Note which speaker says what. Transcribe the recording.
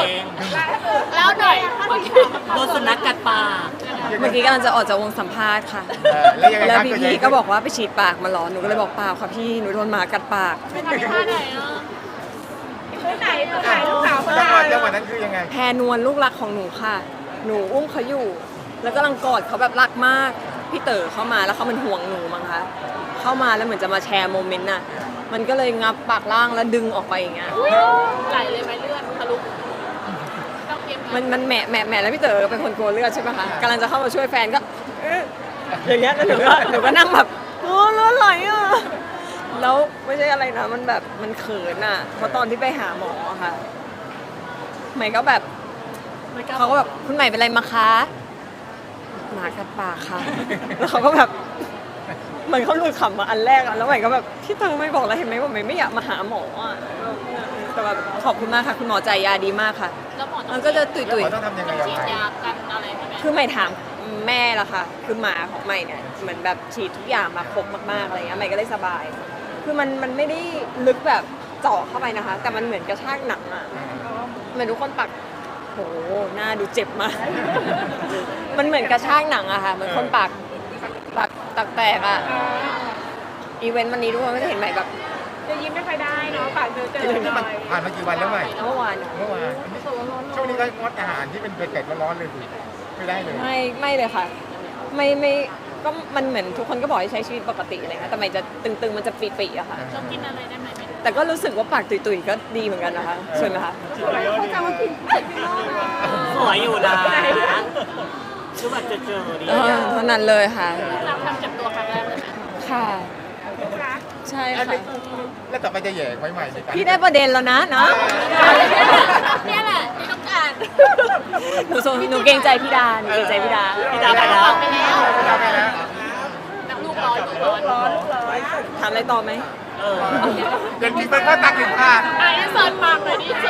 Speaker 1: ง
Speaker 2: แล้วหน่อย
Speaker 1: โดนสุนัขกัดปาก
Speaker 3: เมื่อกี้กำลังจะออกจากวงสัมภาษณ์ค่ะ
Speaker 4: แล้วยังไง
Speaker 3: แล้ว
Speaker 4: ครับ
Speaker 3: พี่ๆก็บอกว่าไปฉีดปากมาเหรอ หนูก็เลยบอกเปล่าค่ะพี่ หนูโดนหมากัดปาก
Speaker 2: ไปทำท่าไหนอ่ะไหนลูกสาวเขา
Speaker 4: จังหวะนั้นคือยังไง
Speaker 3: แพรนวลลูกรักของหนูค่ะ หนูอุ้มเขาอยู่ แล้วกำลังกอดเขาแบบรักมาก พี่เต๋อเข้ามาแล้วเขามันห่วงหนูมั้งคะ เข้ามาแล้วเหมือนจะมาแชร์โมเมนต์น่ะ มันก็เลยงับปากล่างแล้วดึงออกไปอย่างเงี้ย
Speaker 2: ไหลเลยไหมเลือดทะลุต้องเย็บ
Speaker 3: มันแหมะแล้วพี่เต๋อเป็นคนกลัวเลือดใช่ไหมคะกำลังจะเข้ามาช่วยแฟนก็อย่างเงี้ยแล้วหนูก็นั่งแบบโอ้เลือดไหลอ่ะแล้วไม่ใช่อะไรนะมันแบบมันเขินอ่ะเพราะตอนที่ไปหาหมออะค่ะใหม่ก็แบบเขาก็แบบคุณใหม่เป็นไรมาคะหมากัดปากค่ะแล้วเขาก็แบบเหมือนเขาหลุดขำมาอันแรกอะแล้วใหม่ก็แบบพี่เต๋อไม่บอกแล้วเห็นไหมว่าใหม่ไม่อยากมาหาหมออ่ะแต่แบบขอบคุณมากค่ะคุณหมอใจยาดีมากค่ะ
Speaker 2: แล้วหมอต้
Speaker 3: มั
Speaker 2: อน ง
Speaker 3: ก็จะตุย
Speaker 4: หมอต้องทำยังไง
Speaker 2: ฉีดยากันอะไรไหม
Speaker 3: ๆคือใหม่ถามแม่ละค่ะ คือหมาของใหม่เนี่ยเหมือนแบบฉีดทุกอย่างมาครบมากๆอะไรเงี้ยใหม่ก็เลยสบาย คือมันไม่ได้ลึกแบบเจาะเข้าไปนะคะ แต่มันเหมือนกระชากหนังอ่ะเหมือนทุกคนปักโหหน้าดูเจ็บมาก มันเหมือนกระชากหนังอะค่ะเหมือนคนปักตักแตกอะอีเวนต์วันนี้ทุกคนก็จะเห็นใหม่แบบ
Speaker 2: จะยิ้มไม่ค่อยได้เนาะปากเจอ
Speaker 4: นี่มันผ่านมากี่วันแล้วใหม่
Speaker 3: เมื่อวาน
Speaker 4: เมื่อวานช่วงนี้ก็งดอาหารที่เป็นเผ็ดๆร้อนๆเลยสิไม่ได้เลย
Speaker 3: ไม่เลยค่ะ ไม่ก็มันเหมือนทุกคนก็บอกให้ใช้ชีวิตปกติอะไรเงี้ยแต่ใหม่จะตึงๆมันจะปีๆอะค่ะ
Speaker 2: เรากินอะไรได้ไหม
Speaker 3: แต่ก็รู้สึกว่าปากตุยๆก็ดีเหมือนกันนะคะใช่ไหมคะ
Speaker 2: เขาจะมากิน
Speaker 1: สวยอยู่นะคือแบบเจอดี
Speaker 3: เท่านั้นเลยค่ะ
Speaker 2: เราทำจับตัวครั้งแรกเลยไหม
Speaker 3: ค่ะ ใช่ค่ะ
Speaker 4: แล้วต่อไปจะแย่ไว้ใหม่ในการ
Speaker 3: พี่ได้ประเด็นแล้วนะเนาะ
Speaker 2: เนี่ยแหละที่ต้องการ
Speaker 3: หนูเกรงใจพี่ดาหนูเกรงใจพี่ดา
Speaker 1: พี่ดาไปแล้ว
Speaker 2: ไปแล้ว
Speaker 4: ไปแล้ว
Speaker 2: น้ำลูกร้อนลูกร้อน
Speaker 3: ถามอะไรต่อไหม
Speaker 1: เออ
Speaker 4: เดี๋ยวพี่เปิ้ลก็ตักถึงผ่าน
Speaker 2: ไอ้เสิร์ฟปากเลยดิ